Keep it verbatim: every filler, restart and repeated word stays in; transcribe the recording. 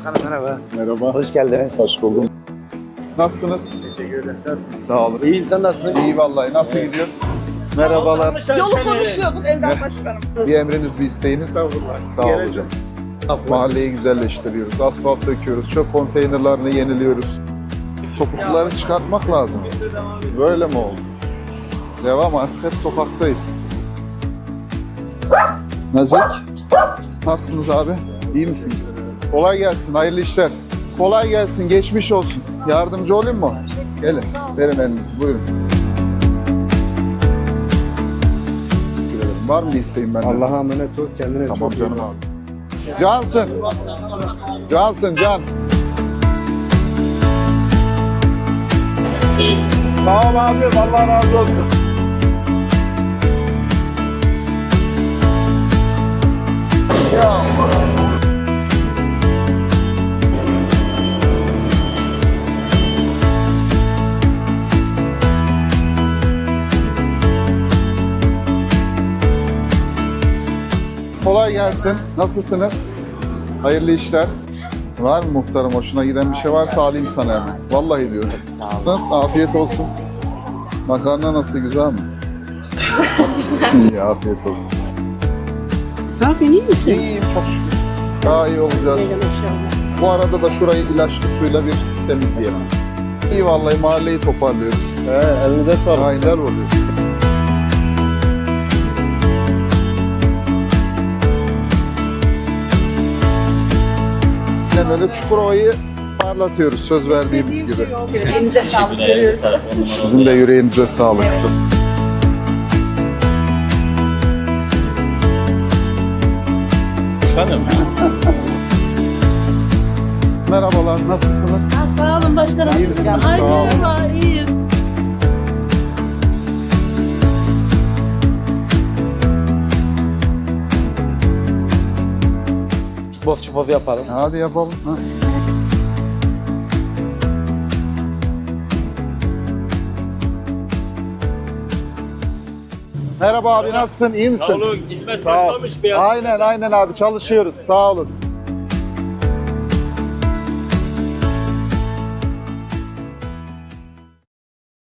Başkanım merhaba. Merhaba. Hoş geldiniz. Hoş buldum. Nasılsınız? Teşekkür ederim. Nasılsınız? Sağ olun. İyiyim, sen nasılsın? İyi vallahi. Nasıl gidiyor? Merhabalar. Yolu konuşuyorduk Evren Başkanım. Bir emriniz, bir isteğiniz. Estağfurullah. Sağ olun hocam. Mahalleyi güzelleştiriyoruz. Asfalt döküyoruz. Çöp konteynerlerini yeniliyoruz. Topukları çıkartmak lazım. Böyle mi oldu? Devam, artık hep sokaktayız. Nazik. Nasılsınız abi? İyi misiniz? Kolay gelsin, hayırlı işler. Kolay gelsin, geçmiş olsun. Yardımcı olayım mı? Gelin, verin elinizi, buyurun. Teşekkür ederim. Var mı bir isteğim benden? Allah'a emanet ol, kendine Tamam çok iyi canım bak. abi. Cansın. Cansın, Can. Sağ ol abi, Allah razı olsun. Ya Allah. Kolay gelsin. Nasılsınız? Hayırlı işler. Var mı muhtarım? Hoşuna giden bir şey varsa alayım sana hemen. Vallahi diyorum. Nasıl? Afiyet olsun. Makarna nasıl? Güzel mi? Güzel. İyi, afiyet olsun. Ne yapıyorsun, iyi misin? İyiyim çok şükür. Daha iyi olacağız. Öyle maşallah. Bu arada da şurayı ilaçlı suyla bir temizleyelim. İyi vallahi, mahalleyi toparlıyoruz. He, elinize sağlık. Aynen oluyor. Yine böyle Çukurova'yı parlatıyoruz söz verdiğimiz gibi. Elinize sağlık, görüyoruz. Sizin de yüreğinize sağlık. Başkanım. Merhabalar, nasılsınız? Sağ olun başkanım. İyi misiniz? Ay Sağ olun. merhaba, iyiyim. Bof çupof yapalım. Hadi yapalım. Ha. Merhaba abi, nasılsın? İyi misin? Sağ olun, hizmet Sağ ol. başlamış beyaz. Aynen aynen abi, çalışıyoruz. Sağ olun.